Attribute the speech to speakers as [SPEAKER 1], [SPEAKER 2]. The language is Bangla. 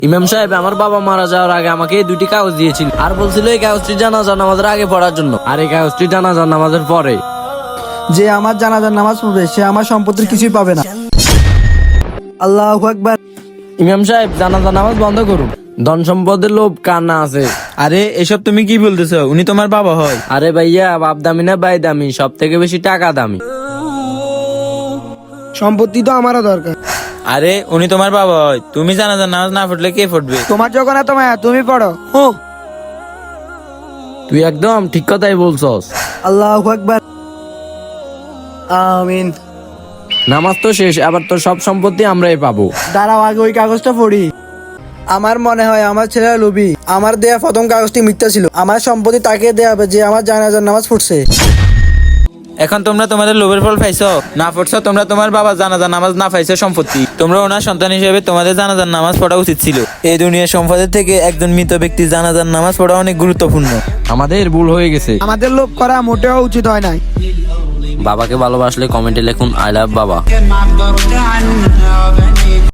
[SPEAKER 1] ইমাম সাহেব আমার বাবা মারা যাওয়ার আগে আমাকে এই দুটি কাগজ দিয়েছিল আর বলছিল এই কাগজটি জানাজার নামাজের আগে পড়ার জন্য, আর এই কাগজটি জানাজার নামাজের পরে।
[SPEAKER 2] যে আমার জানাজার নামাজ পড়বে সে আমার সম্পত্তির কিছুই পাবে না। আল্লাহু আকবার।
[SPEAKER 1] ইমাম সাহেব জানাজার নামাজ বন্ধ করুন। ধন সম্পদের লোভ কার না আছে?
[SPEAKER 3] আরে এসব তুমি কি বলতেছো? উনি তোমার বাবা হয়।
[SPEAKER 1] আরে ভাইয়া, বাপ দামি না ভাই দামি, সব থেকে বেশি টাকা দামি।
[SPEAKER 2] সম্পত্তি তো আমারও দরকার।
[SPEAKER 3] আরে উনি তোমার বাবা হয়, তুমি জানাজার নামাজ না পড়লে কে পড়বে?
[SPEAKER 2] তোমার যখন এত মায়া তুমি পড়ো। ও
[SPEAKER 1] তুই একদম ঠিক কথাই বলছস।
[SPEAKER 2] আল্লাহু আকবার। আমিন।
[SPEAKER 1] নামাজ তো শেষ, আবার তো সব সম্পত্তি আমরাই পাবো।
[SPEAKER 2] দাঁড়াও আগে ওই কাগজটা পড়ি। আমার মনে হয় আমার ছেলে লোভী। আমার দেয়া প্রথম কাগজটি মিথ্যা ছিল। আমার সম্পত্তি তাকে দেয়া হবে যে আমার জানাজার নামাজ পড়ছে।
[SPEAKER 3] এখন তোমরা তোমাদের লোভের ফল পাইছো, না পড়ছো। তোমরা তোমার বাবা জানাজার নামাজ না পাইছো সম্পত্তি। তোমরা ওনার সন্তান হিসেবে তোমাদের জানাজার নামাজ পড়া উচিত ছিল। এই দুনিয়ার সম্পদের থেকে একজন মৃত ব্যক্তির জানাজার নামাজ পড়া অনেক গুরুত্বপূর্ণ।
[SPEAKER 1] আমাদের ভুল হয়ে গেছে।
[SPEAKER 2] আমাদের লোভ করা মোটেও উচিত হয় নাই।
[SPEAKER 1] বাবাকে ভালোবাসলে কমেন্টে লিখুন আই লাভ বাবা।